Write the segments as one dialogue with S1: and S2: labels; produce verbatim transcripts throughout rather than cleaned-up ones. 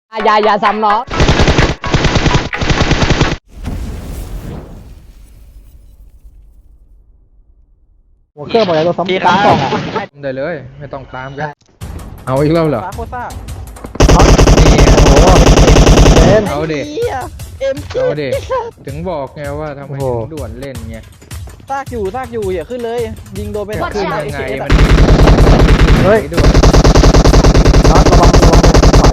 S1: อย่าอย่าซ้ำน้อง
S2: หัวเครื่องบอกเลยเราซ้ำตามกล่องอ่ะ
S3: ได้เลยไม่ต้องตามกันเอาอีกแล้วเหรอ
S4: โคซ่า
S3: นี่
S2: โอ้โหเล่น
S3: เอาเด็ก
S4: เอ็ม
S3: เอาเด็กถึงบอกไงว่าทำไม
S2: โอ้
S3: ถึ
S2: โห
S3: งด่วนเล่นไง
S4: ซากอยู่ซากอยู่อย่าขึ้นเลย ยิงโดนไป
S3: จะ
S4: สาม
S3: ขึ้น
S4: นัด
S3: ยังไง
S4: เอ
S3: มัน
S2: เฮ้ย
S3: ด่วน
S2: น็อตระวังระวังเลยขวา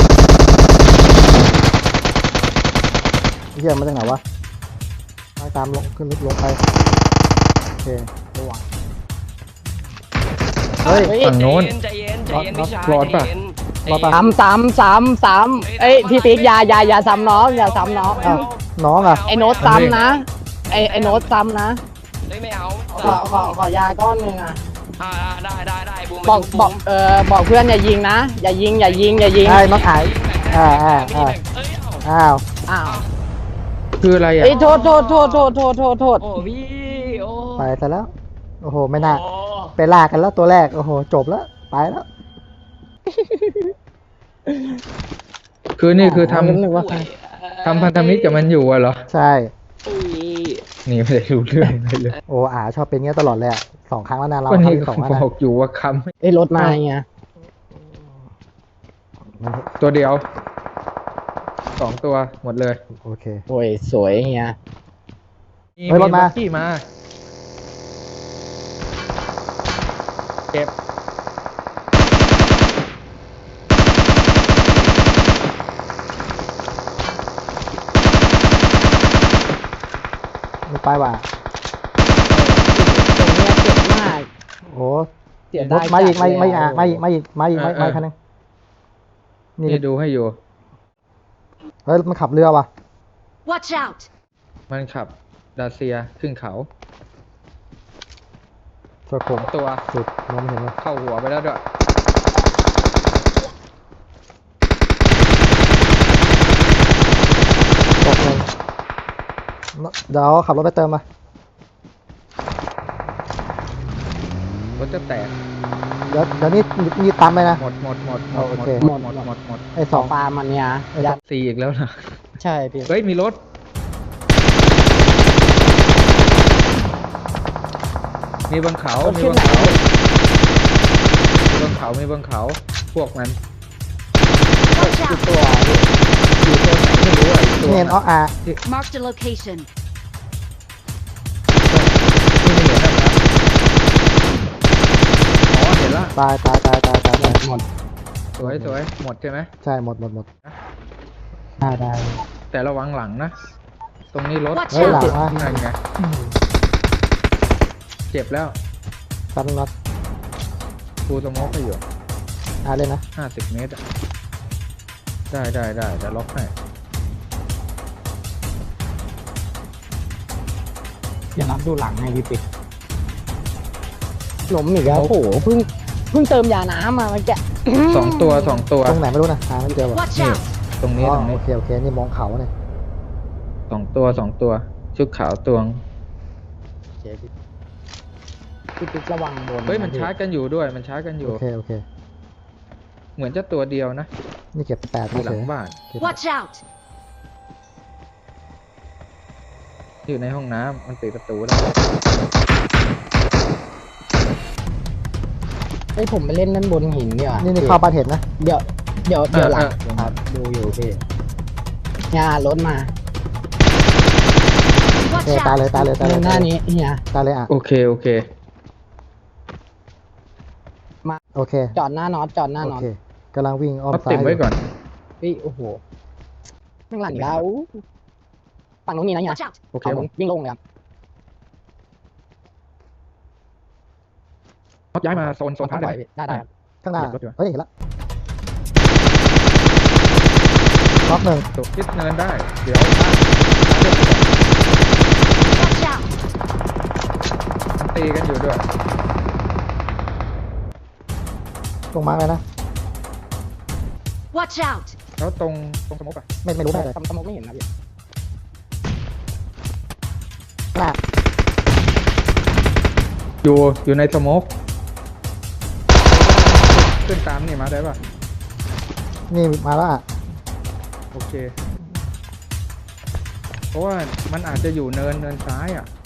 S2: เฮียมาจากไหนวะมาตามลงขึ้นลึกลงไปโอเคระวังเฮ้ย
S3: ฝั่งโน้น
S5: ใจเย็นใจเย็น
S2: รอด
S5: พี่ชาย
S3: รอดปะ
S5: ใจเย็น
S2: รอดปะ
S1: ซ้ำซ้ำซ้ำซ้ำเอ้ยพี่ติ๊กอย่าอย่าอย่าซ้ำน้องอย่าซ้ำน้อง
S2: อ้าวน้องอ่ะ
S1: ไอ้โน้ตซ้ำนะไอ้ไอ้โน้ตซ้ำนะ
S5: เฮ้ยไม่เอา
S1: ขอขอขอยาก้อนหนึ่งอ่ะ
S5: อ่าได้ได้ได้บูม
S1: บอกบอกเออบอกเพื่อนอย่ายิงนะอย่ายิงอย่ายิงอย่ายิง
S2: ใช่น็อตหายอ่าอ่าอ่า
S5: เอ้ยเอา
S2: อ้าว
S1: อ้าว
S3: คืออะไรอ่ะ
S1: เอ้ยโทษโทษโทษโทษโทษโทษโทษ
S5: โอ้พี่โอ้
S2: ไปซะแล้วโอ้โหไม่น่า
S5: โอ้
S2: ไปลากกันแล้วตัวแรกโอ้โหจบแล้วไปแล้ว
S3: คือนี่คือท
S1: นึกว่า
S3: ำทำพันธมิตรกับมันอยู่อะเหรอ
S2: ใช่
S3: นี่ไม่ได้รู้เรื่องอะไรเลย
S2: โอ้อาชอบเป็นเงี้ยตลอดเลยอะสองครั้งแล้วนะเรา
S3: ก็
S2: ครั้
S3: นี่
S2: งที่สองแล้วนะ
S3: บอกอยู่ว่าค
S1: ไอ้ยรถมาไง
S2: มัน
S3: ำตัวเดียวสองตัวหมดเลย
S2: โอเค
S1: โอ้ยสวยเฮีย
S2: เฮ้ยรถมา
S3: บัคกี้มาเก็บ
S2: ไม่ไปว่ะ
S1: ตรงเนี้ยเจ็บมาก
S2: โอ้
S1: เสีย
S2: ร
S1: ดา
S2: ถ
S1: ย
S2: มาอีก
S1: จั
S2: มา
S1: ด
S2: อีก
S1: เลย
S2: มาอีก
S1: อะ
S2: มาอีกมาอีกมาอีกมาอีกมาอีกคันนึงนี่
S3: นี่ดูให้อยู่
S2: เฮ้ยมันขับเรือว่ะ
S6: Watch out!
S3: มันขับดาเซียขึ้นเขา
S2: สวยผม
S3: ตัว
S2: สุดมองไม่เห็นเลย
S3: เข้าหัวไปแล้วด้วย
S2: ตกเลยเดี๋ยวขับรถไปเติมมาร
S3: ถจะแตก
S2: เดี๋ยวเดี๋ยวนี้มีตามไปนะ
S3: หมดหมดหมดหมด
S2: โอ
S3: หม
S2: เค
S3: ดหมดหมดหมดหมด
S2: ไอ้
S1: ส
S2: ส
S1: อ
S2: อง ง
S1: ปลามันเนี่ยยัด
S3: สี่อีกแล้วนะ
S1: ใช่พี่
S3: เฮ้ยมีรถมีบนเขา มีบนเขา มีบนเขา มีบนเขา พวกมัน
S6: Watch out!
S1: ตัว
S3: อยู่ตรงไหนไม่รู้อ่ะอีกตัว
S2: นี่เห็นอ๋ออา
S6: Marked a location.
S3: ที่ไม่เห็นนะครับอ๋อเห็นละ
S2: ตายตายตายตายตายตาย
S1: หมด
S3: สวยสวยหมดใช่ไหม
S2: ใช่หมดหมดหมด
S1: ได้ได้
S3: แต่ระวังหลังนะ ตรงนี้รถ
S6: Watch
S2: เฮ้ยหลัง
S6: out!
S2: อ่ะ
S3: นั่นไงเจ็บแล้ว
S2: ตันน็อต
S3: กูสโมกให้อยู่
S2: อาเลยนะ
S3: ห้าสิบเมตรอะได้ได้ได้จะล็อกให้
S1: อย่ารับดูหลังให้พี่ปิ๊กหลมอีกแล้วโอ้โหเพิ่งเพิ่งเติมยาน้ำมาเมื่อกี้
S3: สองตัวสองตัว
S2: ตรงไหนไม่รู้นะหาไม่เจอว่ะ
S6: Watch
S3: นี่
S6: out!
S3: ตรงนี้
S2: อ๋อ
S3: ตรง
S2: โอ
S3: นี้
S2: เคโอเคนี่มองเขาเนี่ย
S3: สองตัวสองตัว ชุดขาวตวง
S1: โอเคพี่พี่ปิ๊กระวังบน
S3: เฮ้ยมันชาร์จกันอยู่ด้วย มันชาร์จกันอยู่
S2: โอเคโอเค
S3: เหมือนจะตัวเดียวนะ
S2: นี่เก็บแปด
S3: อยู่หลั
S2: เฉ
S3: ง
S2: ย
S3: บ้าน
S6: Watch out!
S3: อยู่ในห้องน้ำมันปิดประตูได้
S1: เฮ้ยผมไปเล่นนั่นบนหินดีกว่า
S2: นี่นี่เข้าบ้านเห็นนะ
S1: เดี๋ยวเดี๋ยวเดี๋ยวหลัง
S3: เออ
S1: ครับดูอยู่พี่เนี่ยรถมา
S2: โอ
S6: Watch
S2: เคตายเลย
S6: out!
S2: ตายเลยตายเล
S1: เล่
S2: ย
S1: นหน้านี้เฮีย
S2: ตายเลยอ่ะ
S3: โอเคโอเค
S2: โอเค
S1: จอดหน้าน็อตจอดหน้า
S2: โอ
S1: น็อต
S2: เคกำลังวิ่งอ้อม
S3: เอา
S2: ซ้าย
S3: ติดไว้ก่อน
S1: พี่โอ้โหข้างหลังเราฝั่งนู้นมีนะเฮีย
S6: Watch out!
S3: โอเค
S1: เขาวิ่งลงเลยครับ
S3: เขาย้ายมาโซนโซน
S1: เขา
S3: พัก
S1: ปล่อย
S3: ได้
S1: พี่ได้ได้ครับ
S2: ข้างหน้า
S3: เก็บรถอยู่
S2: เฮ้ยเห็นละล็อกหนึ่ง
S3: ตกทิศเนินได้ เดี๋ยว
S6: Watch out!
S3: มันตีกันอยู่ด้วย
S2: ตรงมาเลยนะ
S6: Watch out!
S3: แล้วตรงตรงสมมติอ่ะ
S2: ไม่ไม่รู้ได้เลย
S1: สมมติไม่เห็นนะพี่
S2: หน้า
S3: อยู่อยู่ในสโมกขึ้นตามนี่มาได้ป่ะ
S2: นี่มาแล้วอ่ะ
S3: โอเค เพราะว่ามันอาจจะอยู่เนินเนินซ้ายอ่ะ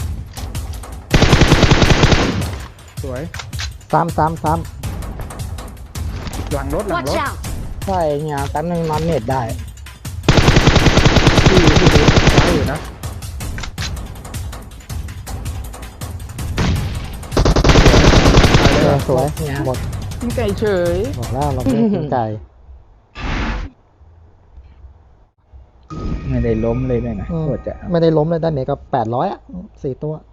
S3: สวย
S2: ซ้ำซ้ำซ้
S3: หลังรถหลัง
S6: Watch
S3: รถ
S6: out!
S1: ใช่เนี่ยแป๊บนึงมันเน็ตได้
S3: ที่ที่ดูซ้ายอยู่นะ
S2: ำเออสวย
S1: เนี่ย
S2: หมด
S5: กินไก่เฉย
S2: บอกแล้วเราไม่ได้กินไก่
S4: ไม่ได้ล้มเลยเนี่ยนะ
S2: อืม
S4: โคตรจะ
S2: ไม่ได้ล้มเลยด้านไหนก็แปดร้อยอ่ะสี่ตัว